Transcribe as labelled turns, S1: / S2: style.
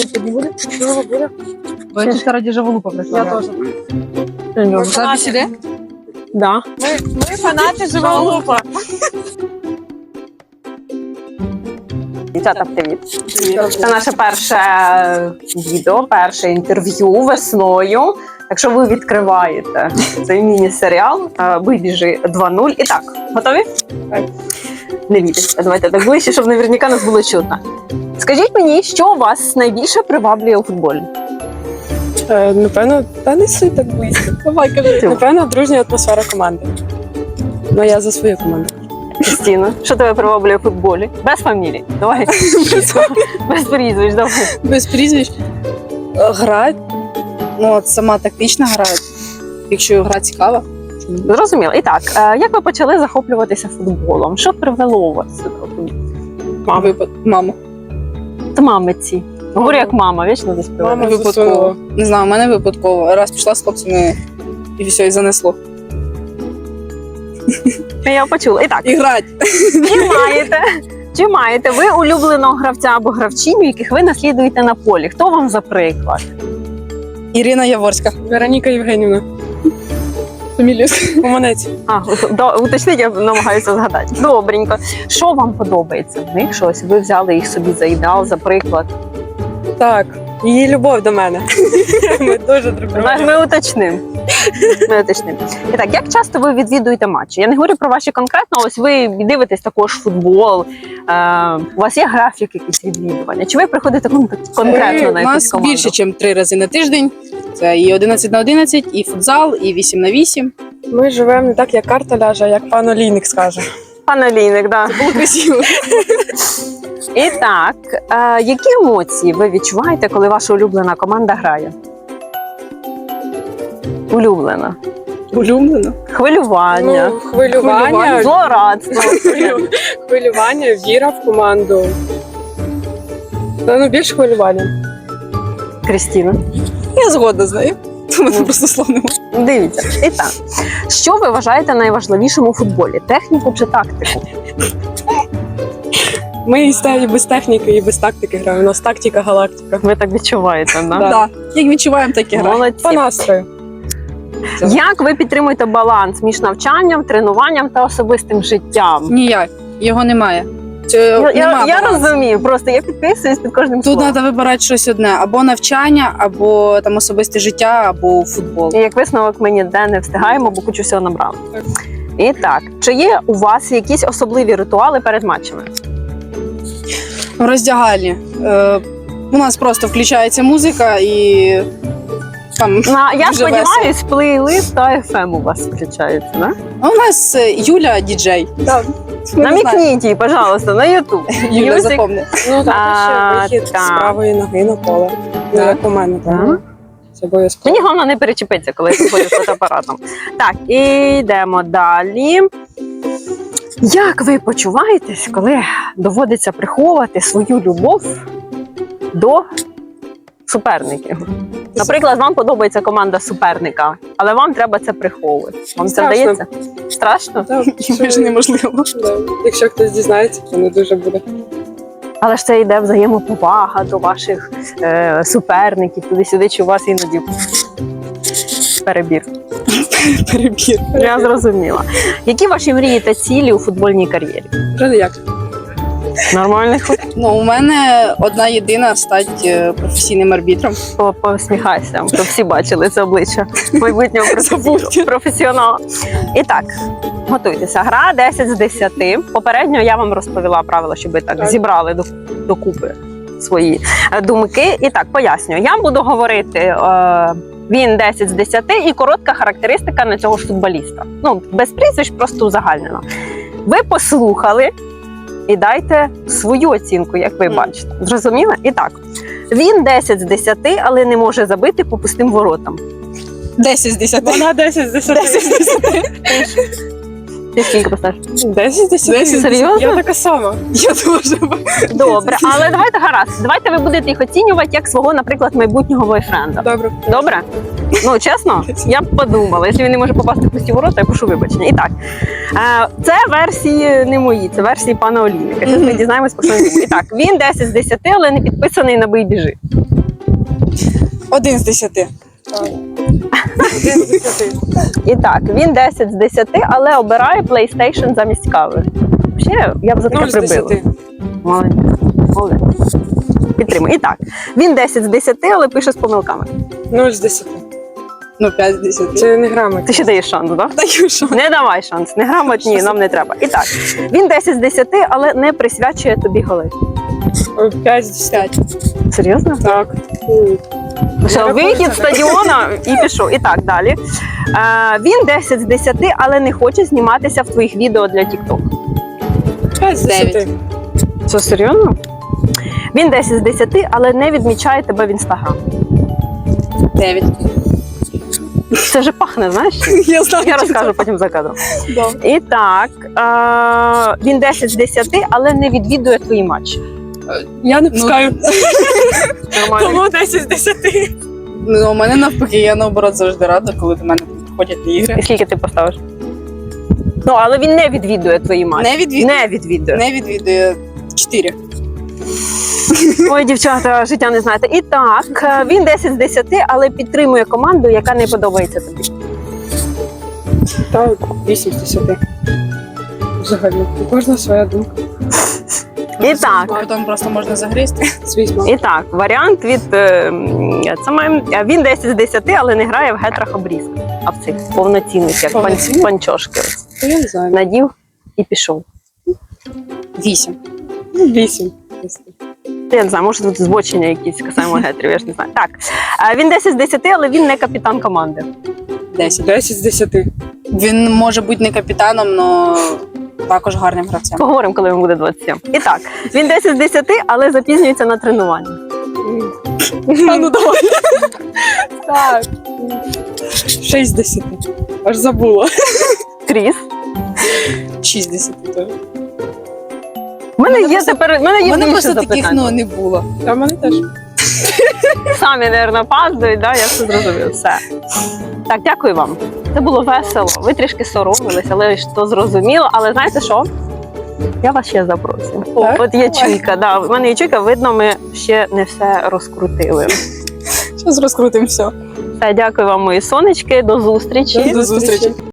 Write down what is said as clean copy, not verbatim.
S1: тобі буде? Чого буде?
S2: Бачиш, раді Жаволупа прийшла.
S1: Я теж.
S2: Запись іде?
S1: Да.
S2: Ми фанати Жаволупа.
S3: Дівчата, привіт. Це наше перше відео, перше інтерв'ю весною. Так що ви відкриваєте цей міні-серіал «Вибіжи 2.0». І так, готові?
S1: Так.
S3: Не бійтеся, давайте так ближче, щоб наверняка нас було чутно. Скажіть мені, що вас найбільше приваблює у футболі?
S1: Напевно, та не суть так близько. Давай, кажи. Напевно, дружня атмосфера команди. Ну, я за свою команду.
S3: Кристина, що тебе приваблює у футболі? Без фамілії. Давай. Без прізвищ, давай.
S4: Без прізвищ. Гра, ну от сама тактична гра, якщо гра цікава.
S3: Зрозуміло. І так, як ви почали захоплюватися футболом? Що привело вас сюди?
S4: Мама.
S3: Та мамиці. Говорю як мама, вічно десь приведе.
S1: Мама
S4: Випадково.
S1: засунула.
S4: Не знаю, в мене випадково. Раз пішла з хлопцями і все, і занесло.
S3: Я почула. І так,
S4: І грать.
S3: чи маєте ви улюбленого гравця або гравчиню, яких ви наслідуєте на полі? Хто вам за приклад?
S4: Ірина Яворська.
S1: Вероніка Євгенівна.
S4: Фамілію.
S1: Уманець.
S3: Уточніть, я намагаюся згадати. Добренько. Що вам подобається в них? Щось ви взяли їх собі за ідеал, за приклад?
S1: Так, її любов до мене. Ми дуже друг друга.
S3: Ми уточнимо. І так, як часто ви відвідуєте матчі? Я не говорю про ваші конкретно, ось ви дивитесь також футбол, у вас є графік якийсь відвідування? Чи ви приходите конкретно на
S4: У
S3: якусь
S4: нас
S3: команду?
S4: більше, ніж 3 рази на тиждень. Це і 11 на 11, і футзал, і 8 на 8.
S1: Ми живемо не так, як карта ляже, а як пан Олійник скаже.
S3: Пан Олійник, да.
S4: Було красиво.
S3: І так, які емоції ви відчуваєте, коли ваша улюблена команда грає? Улюблена.
S4: Улюблено.
S3: Хвилювання,
S1: Ну, хвилювання,
S3: злорадство.
S1: хвилювання, віра в команду. Та, ну, більше хвилювання.
S3: Крістіна.
S4: Я згодна з нею. У мене просто слов немає.
S3: Дивіться. І так, що ви вважаєте найважливішим у футболі? Техніку чи тактику?
S1: Ми і без техніки, і без тактики граємо. У нас тактика, галактика.
S3: Ви так відчуваєте, да?
S1: Да.
S4: Так. Як відчуваємо, так і граємо.
S3: Молодці.
S1: По настрою.
S3: Як ви підтримуєте баланс між навчанням, тренуванням та особистим життям?
S4: Ніяк. Його немає.
S3: Я розумію, просто я підписуюсь під кожним
S4: Тут
S3: словом.
S4: треба вибирати щось одне: або навчання, або там особисте життя, або футбол.
S3: І як висновок, ми ніде не встигаємо, бо кучу всього набрали.
S1: Так.
S3: І так, чи є у вас якісь особливі ритуали перед матчами?
S4: В роздягальні. У нас просто включається музика і там
S3: Я
S4: дуже
S3: сподіваюсь, плейлист та FM у вас включається, да?
S4: А у нас Юля діджей.
S1: Так.
S3: Намікніть їй, пожалуйста, на YouTube.
S4: Юля
S3: Music.
S4: запомни.
S1: Ну, так, ще вихід
S3: так.
S1: з правої ноги на поле. Ну,
S4: Так.
S1: як у мене, так.
S3: Так.
S1: Це обов'язково.
S3: Мені головне не перечепитися, коли я приходжу з фотоапаратом. Так, і йдемо далі. Як ви почуваєтесь, коли доводиться приховувати свою любов до суперників? Наприклад, вам подобається команда суперника, але вам треба це приховувати. Вам це
S1: Страшно.
S3: вдається? Страшно?
S1: Так,
S4: Майже неможливо.
S1: да. Якщо хтось дізнається, то не дуже буде.
S3: Але ж це йде взаємоповага до ваших суперників, туди-сюди, чи у вас іноді перебір.
S4: Перебір.
S3: Я зрозуміла. Які ваші мрії та цілі у футбольній кар'єрі?
S1: Вже як?
S3: Нормальний ход?
S4: Ну, у мене одна єдина стати професійним арбітром.
S3: Посміхайся, щоб всі бачили це обличчя майбутнього професіонала. І так, готуйтеся. Гра 10 з 10. Попередньо я вам розповіла правила, щоб ви так зібрали докупи свої думки. І так, пояснюю. Я буду говорити, він 10 з 10 і коротка характеристика на цього ж футболіста. Ну, без прізвищ, просто узагальнено. Ви послухали і дайте свою оцінку, як ви бачите. Зрозуміли? І так, він 10 з 10, але не може забити по пустим воротам.
S4: 10 з 10.
S1: Вона 10 з 10.
S4: 10 з 10.
S3: Ти скільки поставиш?
S1: 10 з 10.
S4: 10 з 10.
S3: Серйозно?
S1: Я така сама.
S4: Я дуже.
S3: Добре, але давайте гаразд. Давайте ви будете їх оцінювати як свого, наприклад, майбутнього бойфренда.
S1: Добре.
S3: Добре? Ну, чесно, я б подумала. Якщо він не може попасти в пусті ворота, я прошу вибачення. І так, це версії не мої, це версії пана Олійника. Зараз ми дізнаємось, про що він думає. І так, він 10 з 10, але не підписаний на «Бий біжи».
S4: 1 з 10.
S1: Один з 10.
S3: І так, він 10 з 10, але обирає PlayStation замість кави. Ще я б за таке
S1: 0 з
S3: прибила.
S1: 10.
S3: Молодець. Молодець. Підтримую. І так, він 10 з 10, але пише з помилками.
S1: 0 з 10.
S4: Ну, 5 з 10.
S1: Це не грамотно.
S3: Ти ще даєш шанс, так? Да?
S4: Даю що.
S3: Не давай шанс. Неграмотні нам не треба. І так, він 10 з 10, але не присвячує тобі голи.
S1: 5 з 10.
S4: 5.
S3: Серйозно?
S1: Так.
S3: Все, вихід з стадіона і пішов. І так, далі. Він 10 з 10, але не хоче зніматися в твоїх відео для TikTok.
S1: 5 з 10.
S3: Це серйозно? Він 10 з 10, але не відмічає тебе в Інстаграм.
S4: 9.
S3: Це вже пахне, знаєш?
S4: Я знаю.
S3: Я розкажу потім за кадром.
S4: Да.
S3: І так, він 10 з 10, але не відвідує твої матчі.
S1: Я не пускаю.
S3: Нормально.
S1: Тому 10 з 10.
S4: Ну, у мене навпаки, я наоборот завжди рада, коли до мене приходять на ігри.
S3: І скільки ти поставиш? Ну, але він не відвідує твої матчі.
S4: Не відвідує.
S3: Не відвідує.
S4: Не відвідує 4.
S3: Ой, дівчата, життя не знаєте. І так, він 10 з 10, але підтримує команду, яка не подобається тобі.
S1: Так, 8 з 10. Взагалі. У кожного своя думка.
S3: І так.
S4: Потім просто можна загрізти.
S1: Звісно.
S3: І так, варіант від він 10 з 10, але не грає в гетрах обрізках, а в цих повноцінних, як
S4: Повноцінних?
S3: панчошки.
S1: То я не знаю.
S3: Надів і пішов.
S4: 8.
S1: 8.
S3: Я не знаю, може тут збочення якісь касаємо гетрів, я ж не знаю. Так, він 10 з 10, але він не капітан команди.
S4: 10.
S1: 10 з 10.
S4: Він може бути не капітаном, але також гарним гравцем.
S3: Поговоримо, коли йому буде 27. І так, він 10 з 10, але запізнюється на тренування.
S1: А ну давай. Так. 6 з 10. Аж забула.
S3: Кріс.
S4: 6 з 10. теж.
S3: У мене є тепер, в мене
S4: У
S3: є
S4: мене
S3: більше
S4: просто таких
S3: запитань.
S4: не було.
S1: А в мене теж.
S3: Самі, мабуть, паздують, да? Я все зрозумів. Все. Так, дякую вам. Це було весело. Ви трішки соромились, але ж то зрозуміло. Але знаєте що? Я вас ще запросив.
S1: Так?
S3: От є чуйка, да. У мене є чуйка, видно, ми ще не все розкрутили.
S4: Зараз розкрутимо все.
S3: Все, дякую вам, мої сонечки. До зустрічі.
S1: До зустрічі.